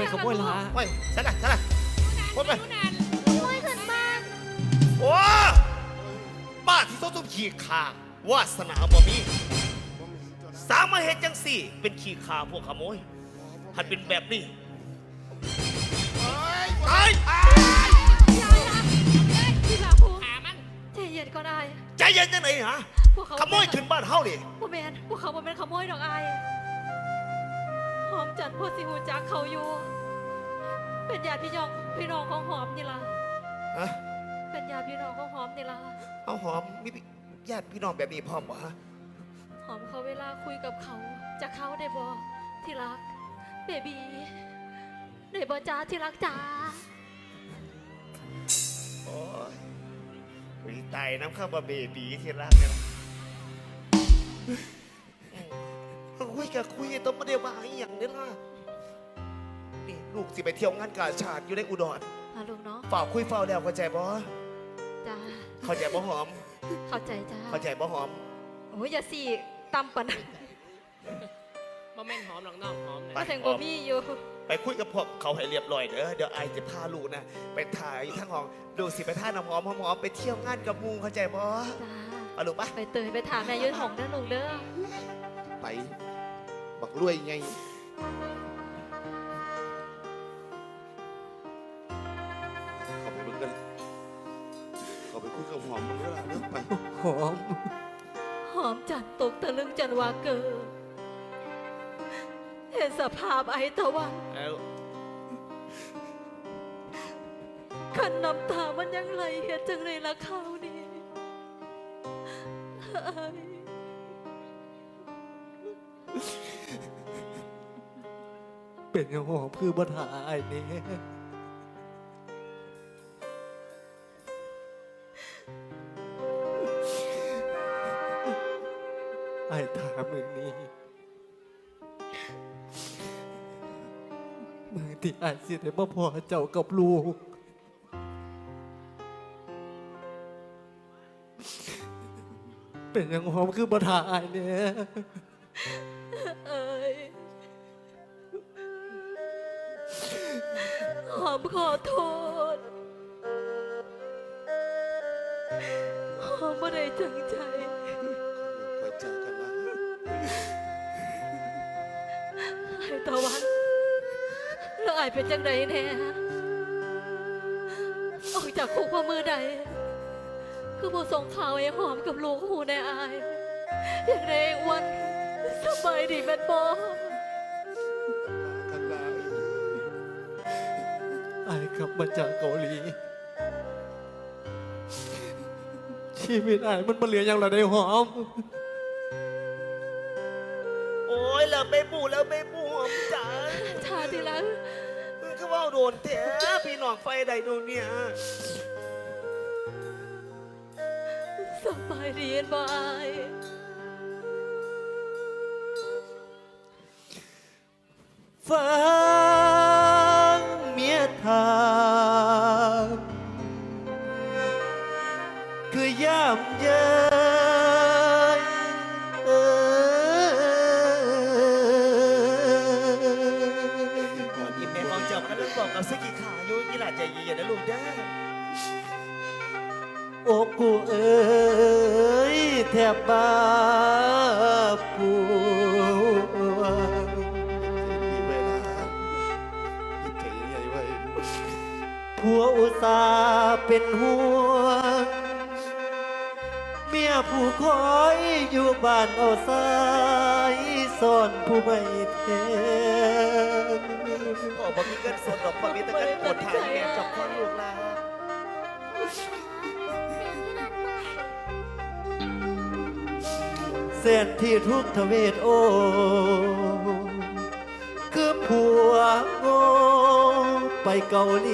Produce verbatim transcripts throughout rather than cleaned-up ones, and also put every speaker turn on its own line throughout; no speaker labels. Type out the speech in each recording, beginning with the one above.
ขโมยละ
โอ้ยใช่ละใช่ละคนไป
ช่วยขึ้นบ้าน
โอ้บ้าที่โซ่ตุ้มขี่ขาวาสนาบ่มีสามารถเหตุจังสี่ เป็นขี่ขาพวกขโมยหัดเป็นแบบนี้ตาย
ยายนะพี่ลาภูหามันใจเย็นก็ได้
ใจเย็นจังไหนฮะ
พวกเขา
ขโมยขึ้นบ้านเฮาดิ
พวกแมนพวกเขาบ่เป็นขโมยดอกอายหอมจันทร์พวกสิหูจักเขาอยู่ เป็นญาติพี่น้องพี่น้องของหอมนี่ล่ะ
ฮะ
เป็นญาติพี่น้องของหอมนี่ล่ะ
เอาหอมมีญาติพี่น้องแบบนี้พร้อมบ่ฮะ
หอมเขาเวลาคุยกับเขาจะเข้าได้บ่ที่รักเบบีได้บ่จ้าที่รักจ้า
โอ้ยวีตายน้ำข้าวบะเบบีที่รักเนี่ยคุยกับคุยต้องมาเดียวมาอีหยังเนี่ยล่ะนี่ลูกสิไปเที่ยวงานกาชาดอยู่ในอุดร
มาลูกเนาะ
ฝากคุยเฝ้าแล้วเข้าใจบ่
จ้า
เข้าใจบ่หอม
เข้าใจจ้า
เข้าใจบ่หอม
โอ้ยอย่าสี่ตำปัน
บ่แม่นหอมหรอกน้องหอมเลย
มาถึงบ่มีอยู่
ไปคุยกับพวกเขาให้เรียบร้อยเด้อเดี๋ยวไอจะพาลูกนะไปถ่ายทั้งห้องดูสิไปท่าน้ำหอมหอมๆไปเที่ยวงานกับมูเข้าใจบ่
จ้า
เอาลูกปะ
ไปเตยไปถามแม่ยืนหงเด้อลูกเด้อ
ไปบักรวยไงเขาไปเบิ่งกันเขาไปคุยกับหอมมึงแล้วล่ะเรื่องไป
หอม
หอมจันตกตะลึงจันวาเกิดเห็นสภาพไอ้ตะวัน
เอา
ขันน้ำตามันยังไหลเห็นจังเลยละเขานี่ไอ้
เป็นยังหอมคือบ่ถ่ายนี่ไอ้ถามมึงนี่มือที่ไอ้สิได้มาพอเจ้ากับลูกเป็นยังหอมคือบ่ถ่ายเนี่ย
เอ้ยหอมขอโทษหอมไม่ได้ตั้งใจ
คอยจากกันละ
ไอ้ตะวันแล้วไอ้เป็นจังใดแน่ออกจากคุกเพราะมือใด คือผู้ส่งข่าวไอ้หอมกับลูกหูในอาย อย่างไรวันสบายดีแม่นบอ
กันละ
ไอ้กลับมาจากเกาหลี ชีวิตไอ้มันมาเหลืออย่างไรได้หอม
โอ้ยแล้วไม่ปูแล้วไม่ปูหอมจ๋า
ชาทีหลัง
มึงก็ว่าโดนแท้พี่น้องไฟใดดูเนี่ย
สบายดีแม่นบออาย
ฟังเมียถามคือย่ำเย้ยเอ่ย
ก่อนที่แม่ของเจ้าก็เริ่มบอกกับสกิขาอยู่นี่แหละใจเย็นๆนะลูกเด้อ
โอ้กูเอ้ยแทบบ้าปวง
มีเวลาคิดถึงใหญ่ไว้
ผัวอุตส่าห์เป็นห่วงเมียผู้คอยอยู่บ้านเอาสายซ่อนผู้ไม่เทน
ก็บอกมีเงินสดดอกพอมีแต่เงินกดถ่ายแม่จับพ่อลูกลา
เส้นที่ทุกทเวทโอ คือผัวโง่ไปเกาหลี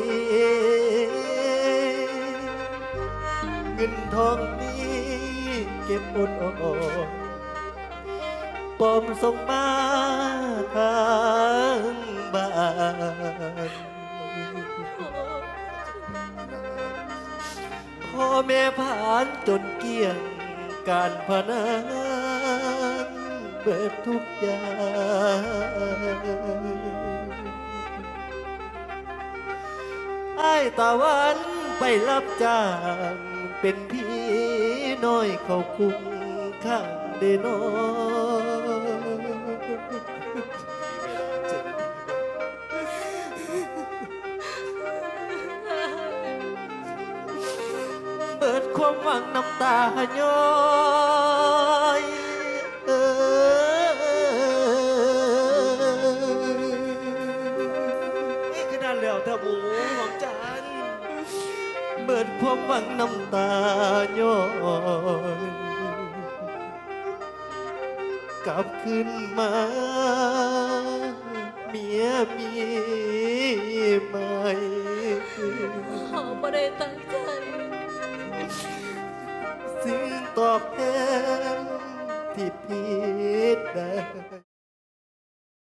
เงินทองนี้เก็บอดออมปอมส่งมาทางบ้านพ่อแม่ผ่านจนเกี่ยงการพนันเบิดทุกอย่างายตะวันไปรับจ้างเป็นพี่น้อยเขาคุ้มข้างเดนอ เปิดความหวังน้ำตาย้อยเอนี่คือนั่นแล้วท่าหมูหอมจันทร์เปิดความหวังน้ำตาย้อยกลับขึ้นมา เมียมีไหม
หอมบ่ได้ตั้งใจ
สิ่งตอบแทนที่ผิดได้